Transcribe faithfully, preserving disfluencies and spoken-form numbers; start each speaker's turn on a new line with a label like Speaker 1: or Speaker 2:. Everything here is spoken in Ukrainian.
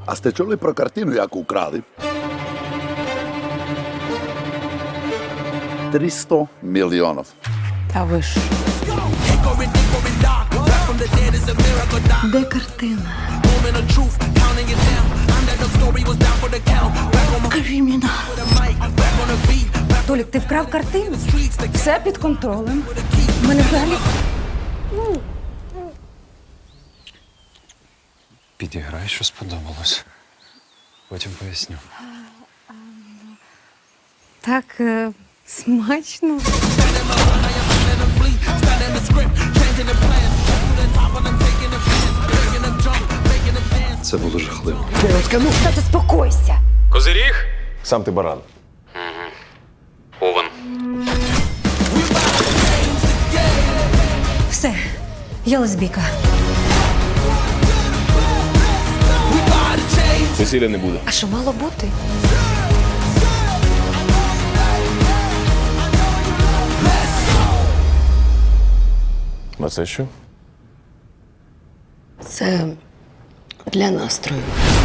Speaker 1: А сте чули про картину, яку украли? триста мільйонів.
Speaker 2: Та ви ж.
Speaker 3: Де картина? Кримінал.
Speaker 2: Толік, ти вкрав картину? Все під контролем. У мене взагалі.
Speaker 4: Підіграй, що сподобалось. Потім поясню.
Speaker 2: Так е, смачно.
Speaker 4: Це було жахливо.
Speaker 2: Та заспокойся.
Speaker 5: Козиріг?
Speaker 6: Сам ти баран.
Speaker 5: Овен.
Speaker 2: Все, я лесбійка.
Speaker 6: Весілля не буде.
Speaker 2: А що мало бути?
Speaker 6: А це що?
Speaker 3: Це для настрою.